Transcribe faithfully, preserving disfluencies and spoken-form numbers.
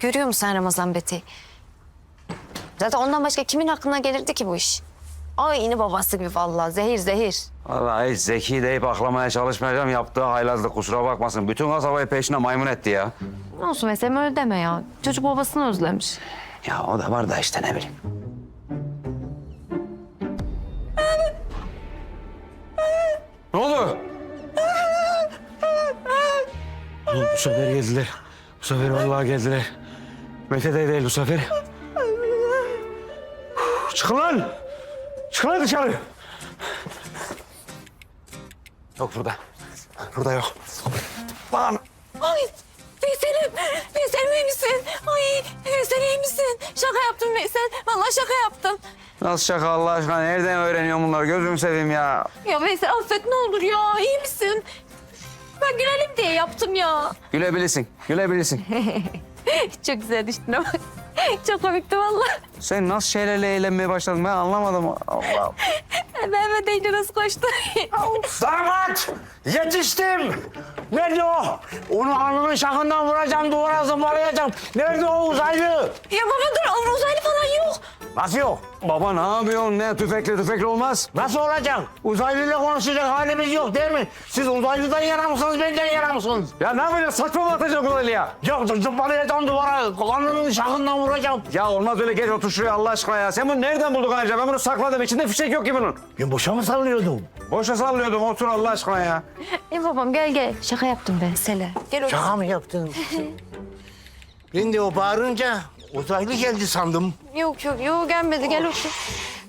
Görüyor musun sen Ramazan Beti? Zaten ondan başka kimin aklına gelirdi ki bu iş? Aynı babası gibi vallahi zehir zehir. Vallahi hiç zeki deyip aklamaya çalışmayacağım. Yaptığı haylazlık, kusura bakmasın. Bütün kasabayı peşine maymun etti ya. Ne olsun mesela öyle deme ya. Çocuk babasını özlemiş. Ya o da var da işte ne bileyim. Ne oldu? Oğlum, bu sefer geldiler. Bu sefer vallahi geldiler. Mete de değil bu sefer. Çıkın lan! Çıkın lan dışarı! Yok burada. Burada yok. Lan! Ay Veysel'im, Veysel'im iyi misin? Ay Veysel iyi misin? Şaka yaptım Veysel. Vallahi şaka yaptım. Nasıl şaka Allah aşkına? Nereden öğreniyorsun bunları? Gözümü seveyim ya. Ya Veysel affet ne olur ya. İyi misin? Ben gülelim diye yaptım ya. Gülebilirsin, gülebilirsin. Çok güzel düştün ama. Çok komikti vallahi. Sen nasıl şeylerle eğlenmeye başladın ben anlamadım. Allah. Mehmet deyince nasıl koştu? Damat! Yetiştim! Nerede o? Onu alnının şakından vuracağım, duvara zımbalayacağım. Nerede o uzaylı? Ya baba dur uzaylı falan yok. Nasıl yok? Baba ne yapıyorsun? Ne tüfekle tüfekle olmaz. Nasıl olacak? Uzaylıyla konuşacak halimiz yok değil mi? Siz uzaylıdan yana mısınız, benden yana mısınız? Ya ne yapacaksın? Saçma mı atacaksın uzaylıya? Yok, zımbalayacağım duvara, alnının şakından vuracağım. Ya olmaz öyle, geç otur şuraya Allah aşkına ya. Sen bunu nereden buldun ayrıca? Ben bunu sakladım. İçinde fişek yok ki bunun. Ben boşa mı sallıyordum? Boşa sallıyordum. Otur Allah aşkına ya. E babam gel gel. Şaka yaptım ben Sele. Gel otur. Şaka mı yaptın? Ben de o bağırınca uzaylı geldi sandım. Yok yok yok gelmedi gel otur.